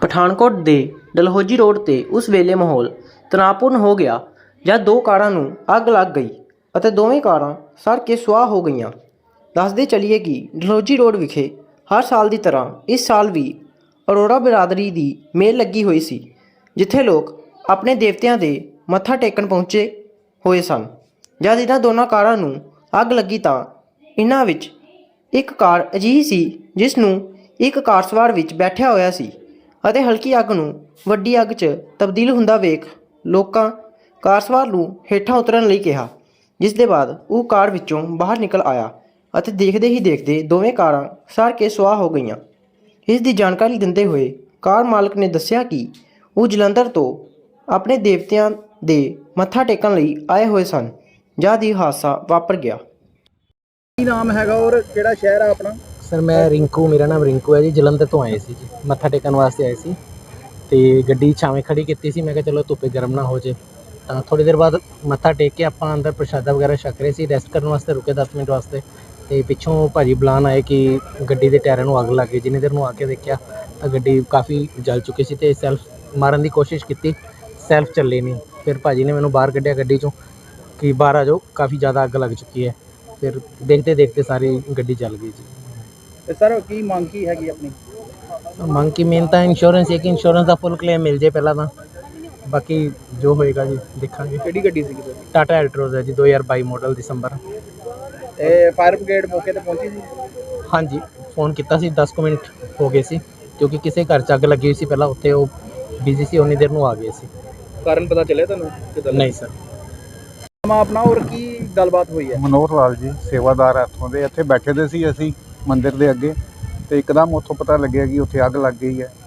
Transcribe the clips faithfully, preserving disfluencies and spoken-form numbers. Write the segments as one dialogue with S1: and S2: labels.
S1: ਪਠਾਨਕੋਟ ਦੇ ਡਲਹੌਜੀ ਰੋਡ 'ਤੇ ਉਸ ਵੇਲੇ ਮਾਹੌਲ ਤਣਾਅਪੂਰਨ ਹੋ ਗਿਆ ਜਦ ਦੋ ਕਾਰਾਂ ਨੂੰ ਅੱਗ ਲੱਗ ਗਈ ਅਤੇ ਦੋਵੇਂ ਕਾਰਾਂ ਸੜ ਕੇ ਸੁਆਹ ਹੋ ਗਈਆਂ। ਦੱਸਦੇ ਚੱਲੀਏ ਕਿ ਡਲਹੌਜੀ ਰੋਡ ਵਿਖੇ ਹਰ ਸਾਲ ਦੀ ਤਰ੍ਹਾਂ ਇਸ ਸਾਲ ਵੀ ਅਰੋੜਾ ਬਿਰਾਦਰੀ ਦੀ ਮੇਲ ਲੱਗੀ ਹੋਈ ਸੀ, ਜਿੱਥੇ ਲੋਕ ਆਪਣੇ ਦੇਵਤਿਆਂ ਦੇ ਮੱਥਾ ਟੇਕਣ ਪਹੁੰਚੇ ਹੋਏ ਸਨ। ਜਦ ਇਹਨਾਂ ਦੋਨਾਂ ਕਾਰਾਂ ਨੂੰ ਅੱਗ ਲੱਗੀ ਤਾਂ ਇਹਨਾਂ ਵਿੱਚ ਇੱਕ ਕਾਰ ਅਜਿਹੀ ਸੀ ਜਿਸ ਨੂੰ ਇੱਕ ਕਾਰ ਸਵਾਰ ਵਿੱਚ ਬੈਠਿਆ ਹੋਇਆ ਸੀ ਅਤੇ ਹਲਕੀ ਅੱਗ ਨੂੰ ਵੱਡੀ ਅੱਗ 'ਚ ਤਬਦੀਲ ਹੁੰਦਾ ਵੇਖ ਲੋਕਾਂ ਕਾਰ ਸਵਾਰ ਨੂੰ ਹੇਠਾਂ ਉਤਰਨ ਲਈ ਕਿਹਾ, ਜਿਸ ਦੇ ਬਾਅਦ ਉਹ ਕਾਰ ਵਿੱਚੋਂ ਬਾਹਰ ਨਿਕਲ ਆਇਆ ਅਤੇ ਦੇਖਦੇ ਹੀ ਦੇਖਦੇ ਦੋਵੇਂ ਕਾਰਾਂ ਸੜ ਕੇ ਸੁਆਹ ਹੋ ਗਈਆਂ। ਇਸ ਦੀ ਜਾਣਕਾਰੀ ਦਿੰਦੇ ਹੋਏ ਕਾਰ ਮਾਲਕ ਨੇ ਦੱਸਿਆ ਕਿ ਉਹ ਜਲੰਧਰ ਤੋਂ ਆਪਣੇ ਦੇਵਤਿਆਂ ਦੇ ਮੱਥਾ ਟੇਕਣ ਲਈ ਆਏ ਹੋਏ ਸਨ ਜਦ ਇਹ ਹਾਦਸਾ ਵਾਪਰ ਗਿਆ।
S2: ਕੀ ਨਾਮ ਹੈਗਾ ਔਰ ਕਿਹੜਾ ਸ਼ਹਿਰ ਆ ਆਪਣਾ?
S3: ਸਰ ਮੈਂ ਰਿੰਕੂ, ਮੇਰਾ ਨਾਮ ਰਿੰਕੂ ਹੈ ਜੀ। ਜਲੰਧਰ ਤੋਂ ਆਏ ਸੀ ਜੀ, ਮੱਥਾ ਟੇਕਣ ਵਾਸਤੇ ਆਏ ਸੀ ਤੇ ਗੱਡੀ ਛਾਵੇਂ ਖੜੀ ਕੀਤੀ ਸੀ। ਮੈਂ ਕਿਹਾ ਚਲੋ ਧੁੱਪੇ ਗਰਮ ਨਾ ਹੋ ਜੇ, ਤਾਂ ਥੋੜ੍ਹੀ ਦੇਰ ਬਾਅਦ ਮੱਥਾ ਟੇਕ ਕੇ ਆਪਾਂ ਅੰਦਰ ਪ੍ਰਸ਼ਾਦਾ ਵਗੈਰਾ ਛਕ ਰਹੇ ਸੀ। ਰੈਸਟ ਕਰਨ ਵਾਸਤੇ ਰੁਕੇ ਦਸ ਮਿੰਟ ਵਾਸਤੇ ਤੇ ਪਿੱਛੋਂ ਭਾਜੀ ਬੁਲਾਉਣ ਆਏ ਕਿ ਗੱਡੀ ਦੇ ਟਾਇਰਾਂ ਨੂੰ ਅੱਗ ਲੱਗ ਗਈ। ਜਿੰਨੀ ਦੇਰ ਨੂੰ ਆ ਕੇ ਦੇਖਿਆ ਤਾਂ ਗੱਡੀ ਕਾਫੀ ਜਲ ਚੁੱਕੀ ਸੀ ਤੇ ਸੈਲਫ ਮਾਰਨ ਦੀ ਕੋਸ਼ਿਸ਼ ਕੀਤੀ, ਸੈਲਫ ਚੱਲੇ ਨਹੀਂ। ਫਿਰ ਭਾਜੀ ਨੇ ਮੈਨੂੰ ਬਾਹਰ ਕੱਢਿਆ ਗੱਡੀ 'ਚੋਂ ਕਿ ਬਾਹਰ ਆ ਜਾਓ, ਕਾਫੀ ਜ਼ਿਆਦਾ ਅੱਗ ਲੱਗ ਚੁੱਕੀ ਹੈ। ਫਿਰ ਦੇਖਦੇ ਦੇਖਦੇ ਸਾਰੀ ਗੱਡੀ ਜਲ ਗਈ ਜੀ।
S2: ਤੇ ਸਰ ਕੀ ਮੰਗ ਕੀ ਹੈਗੀ ਆਪਣੀ?
S3: ਮੰਗ ਕੀ ਮੇਨ ਤਾਂ ਇੰਸ਼ੋਰੈਂਸ ਹੈ ਕਿ ਇੰਸ਼ੋਰੈਂਸ ਦਾ ਫੁੱਲ ਕਲੇਮ ਮਿਲ ਜੇ ਪਹਿਲਾਂ ਤਾਂ, ਬਾਕੀ ਜੋ ਹੋਏਗਾ ਜੀ ਦੇਖਾਂਗੇ।
S2: ਕਿਹੜੀ ਗੱਡੀ ਸੀਗੀ ਤੁਹਾਡੀ?
S3: ਟਾਟਾ ਐਲਟਰੋਜ਼ ਹੈ ਜੀ, ਦੋ ਹਜ਼ਾਰ ਬਾਈ ਮਾਡਲ ਦਸੰਬਰ।
S2: ਤੇ ਫਾਇਰ ਬ੍ਰਿਗੇਡ ਮੌਕੇ ਤੇ ਪਹੁੰਚੀ ਸੀ?
S3: ਹਾਂਜੀ, ਫੋਨ ਕੀਤਾ ਸੀ, ਦਸ ਕੁ ਮਿੰਟ ਹੋ ਗਏ ਸੀ ਕਿਉਂਕਿ ਕਿਸੇ ਘਰ 'ਚ ਅੱਗ ਲੱਗੀ ਹੋਈ ਸੀ ਪਹਿਲਾਂ, ਉੱਥੇ ਉਹ ਬਿਜ਼ੀ ਸੀ, ਉਨੀ ਦੇਰ ਨੂੰ ਆ ਗਏ ਸੀ।
S2: ਕਾਰਨ ਪਤਾ ਚੱਲਿਆ ਤੁਹਾਨੂੰ ਕਿਦਾਂ?
S3: ਨਹੀਂ ਸਰ।
S2: ਆਪਣਾ ਔਰ ਕੀ ਗੱਲਬਾਤ ਹੋਈ ਹੈ?
S4: ਮਨੋਹਰ ਲਾਲ ਜੀ, ਸੇਵਾਦਾਰ ਇੱਥੋਂ ਦੇ। ਇੱਥੇ ਬੈਠੇ ਦੇ ਸੀ ਅਸੀਂ ਮੰਦਿਰ ਦੇ ਅੱਗੇ ਤੇ ਇੱਕਦਮ ਉੱਥੋਂ ਪਤਾ ਲੱਗਿਆ ਕਿ ਉੱਥੇ ਅੱਗ ਲੱਗ ਗਈ ਹੈ।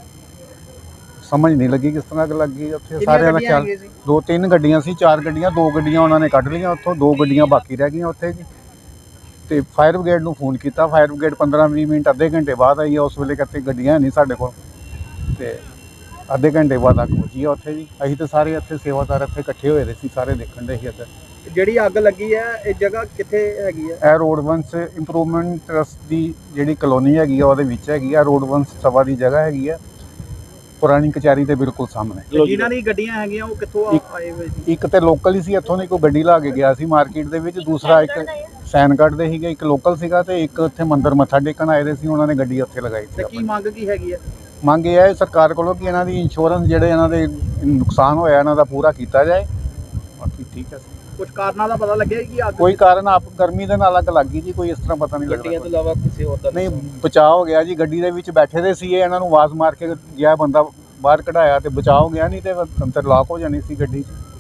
S4: ਸਮਝ ਨਹੀਂ ਲੱਗੀ ਕਿਸ ਤਰ੍ਹਾਂ ਅੱਗ ਲੱਗ ਗਈ। ਉੱਥੇ ਸਾਰਿਆਂ ਦਾ ਖਿਆਲ, ਦੋ ਤਿੰਨ ਗੱਡੀਆਂ ਸੀ, ਚਾਰ ਗੱਡੀਆਂ, ਦੋ ਗੱਡੀਆਂ ਉਹਨਾਂ ਨੇ ਕੱਢ ਲਈਆਂ ਉੱਥੋਂ, ਦੋ ਗੱਡੀਆਂ ਬਾਕੀ ਰਹਿ ਗਈਆਂ ਉੱਥੇ ਜੀ। ਤੇ ਫਾਇਰ ਬ੍ਰਿਗੇਡ ਨੂੰ ਫੋਨ ਕੀਤਾ, ਫਾਇਰ ਬ੍ਰਿਗੇਡ ਪੰਦਰਾਂ ਵੀਹ ਮਿੰਟ ਅੱਧੇ ਘੰਟੇ ਬਾਅਦ ਆਈ ਹੈ। ਉਸ ਵੇਲੇ ਕਿਤੇ ਗੱਡੀਆਂ ਨਹੀਂ ਸਾਡੇ ਕੋਲ ਤੇ ਅੱਧੇ ਘੰਟੇ ਬਾਅਦ ਅੱਗ ਪਹੁੰਚੀ ਆ ਉੱਥੇ ਜੀ। ਅਸੀਂ ਤਾਂ ਸਾਰੇ ਇੱਥੇ ਸੇਵਾਦਾਰ ਇੱਥੇ ਇਕੱਠੇ ਹੋਏ ਦੇ ਸੀ, ਸਾਰੇ ਦੇਖਣ ਦੇ ਸੀ ਇੱਧਰ।
S2: ਜਿਹੜੀ ਅੱਗ ਲੱਗੀ ਹੈ ਇਹ ਜਗ੍ਹਾ ਕਿੱਥੇ ਹੈਗੀ ਹੈ?
S4: ਇਹ ਰੋਡ ਵੰਸ ਇੰਪਰੂਵਮੈਂਟ ਟਰਸਟ ਦੀ ਜਿਹੜੀ ਕਲੋਨੀ ਹੈਗੀ ਆ ਉਹਦੇ ਵਿੱਚ ਹੈਗੀ ਆ। ਰੋਡ ਵੰਸ ਸਭਾ ਦੀ ਜਗ੍ਹਾ ਹੈਗੀ ਆ, ਪੁਰਾਣੀ ਕਚਹਿਰੀ ਦੇ ਬਿਲਕੁਲ ਸਾਹਮਣੇ।
S2: ਜਿਨ੍ਹਾਂ ਦੀ ਗੱਡੀਆਂ ਹੈਗੀਆਂ ਉਹ ਕਿੱਥੋਂ ਆਏ ਹੋਏ ਸੀ?
S4: ਇੱਕ ਤੇ ਲੋਕਲ ਹੀ ਸੀ, ਇੱਥੋਂ ਦੀ ਕੋਈ ਗੱਡੀ ਲਾ ਕੇ ਗਿਆ ਸੀ ਮਾਰਕੀਟ ਦੇ ਵਿੱਚ। ਦੂਸਰਾ ਇੱਕ ਸੈਨਗੜ੍ਹ ਦੇ ਸੀਗਾ, ਇੱਕ ਲੋਕਲ ਸੀਗਾ ਤੇ ਇੱਕ ਉੱਥੇ ਮੰਦਿਰ ਮੱਥਾ ਟੇਕਣ ਆਏ ਦੇ ਸੀ, ਉਹਨਾਂ ਨੇ ਗੱਡੀ ਉੱਥੇ ਲਗਾਈ ਸੀ।
S2: ਤੇ ਕੀ ਮੰਗ ਕੀ ਹੈਗੀ ਹੈ?
S4: ਮੰਗ ਇਹ ਹੈ ਸਰਕਾਰ ਕੋਲੋਂ ਕਿ ਇਹਨਾਂ ਦੀ ਇੰਸ਼ੋਰੈਂਸ ਜਿਹੜੇ ਇਹਨਾਂ ਦੇ ਨੁਕਸਾਨ ਹੋਇਆ ਇਹਨਾਂ ਦਾ ਪੂਰਾ ਕੀਤਾ ਜਾਏ। ਬਾਕੀ ਠੀਕ ਹੈ।
S2: ਕੁਝ ਕਾਰਨਾਂ ਦਾ ਪਤਾ ਲੱਗਿਆ ਕਿ ਅੱਗ
S4: ਕੋਈ ਕਾਰਨ ਆਪ ਗਰਮੀ ਦੇ ਨਾਲ ਅੱਗ ਲੱਗ ਗਈ ਜੀ, ਕੋਈ ਇਸ ਤਰ੍ਹਾਂ ਪਤਾ ਨਹੀਂ ਲੱਗਦਾ।
S2: ਗੱਡੀਆਂ ਤੋਂ ਇਲਾਵਾ ਕਿਸੇ ਹੋਰ ਦਾ
S4: ਨਹੀਂ, ਬਚਾਅ ਹੋ ਗਿਆ ਜੀ। ਗੱਡੀ ਦੇ ਵਿੱਚ ਬੈਠੇ ਦੇ ਸੀ, ਇਹਨਾਂ ਨੂੰ ਆਵਾਜ਼ ਮਾਰ ਕੇ ਗਿਆ ਬੰਦਾ, ਬਾਹਰ ਕਢਾਇਆ ਤੇ ਬਚਾਅ ਹੋ ਗਿਆ, ਨਹੀਂ ਤੇ ਅੰਦਰ ਲਾਕ ਹੋ ਜਾਣੀ ਸੀ ਗੱਡੀ 'ਚ।